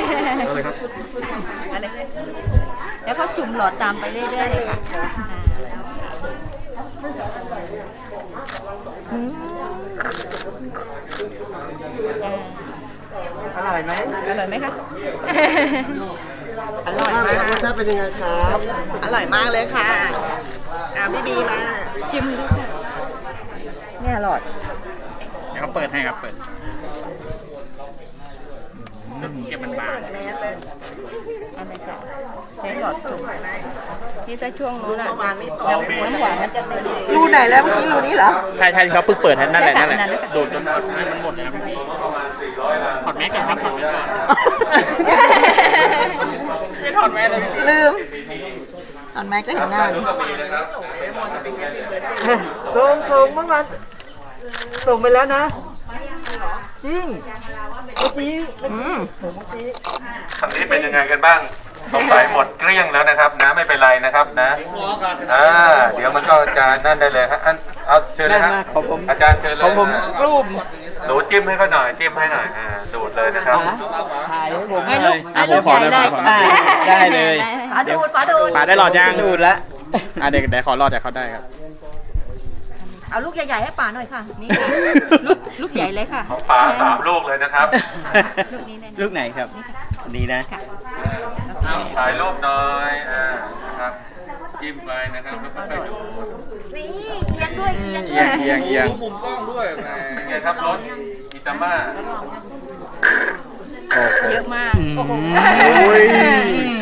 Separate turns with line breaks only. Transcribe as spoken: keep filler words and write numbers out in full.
อะไรครับ
อะไรแล้วเขาจุ่มหลอดตามไปเรื่อยๆเลยค่ะ
อร่อยไหม
อร่อยไหมคะ
อร่อยมาก
รสชาติเป็นยังไงครับ
อร่อยมากเลยค่ะอ่ะพี่บีมา
จิ้มดูค่ะ
เนี่ยอร่อย
เดี๋ยวเขาเปิดให้ครับเปิดเก็บมันบาง
แมสเลย
อะไรค่ะใช้หลอดจุ่มที่ถ้าช่วงนู้นอะ
เมื่อวานไม่ตก
เรา
ไม่หมด
น้ำหวานมันจะเต็ม
รูไหนแล้วเมื่อกี้รูนี้เหรอ
ใช่ใช่ที่เขาเพิ่งเปิดนั่นแหละนั่นแหละ
ใช่ค่ะ
ดูดจนหมดให้มันหมดเลยครับพี่ถอดแมสก่อนครับถอดแมสก่อนไม่ถอดแมสเลย
ลืมตอนแม็กก็เห็นหน้าดิส่งส่งเมื่อวานส่งไปแล้วนะจริงเมื่อกี้อืม
คำนี้เป็นยังไงกันบ้างสงสัยหมดเกลี้ยงแล้วนะครับนะไม่เป็นไรนะครับนะอ่าเดี๋ยวมันก็จะนั่นได้เลยครับอันเอาเชิญเลยครับอาจารย์เชิญเลย
ของผมรูป
หนูจิ้มให้เขาหน่อยจิ้มให้หน่อยอ่าดูดเลยนะครับ
ถ่ายให้ผม
ให้ลูกให้ลูกใหญ่เลย
ได้เลย
ปาดูดปาดูด
ปาได้หลอดยัง
ดูดแล้ว
อ่ะเดี๋ยวเดี๋ยวขอรอดเดี๋ยวเขาได้ครับ
เอาลูกใหญ่ๆให้ป่าหน่อยค่ะนี่ค่ะลูกลูกใหญ่เลยค่ะ
ของป๋าสามลูกเลยนะครับ
ลูกนี้เลย
ลูกไหนครับนี่นะ
ถ่ายรูปหน่อยอ่านะครับจิ้มไปนะครับแล้วก็ไปดู
นี่เอียงด้วยเอียง
เอียงเอียงเอียง
มุมกล้องด้วยเป็นไงครับรถอิตาม่า
เยอะมาก
โอ้โห
โอ้โห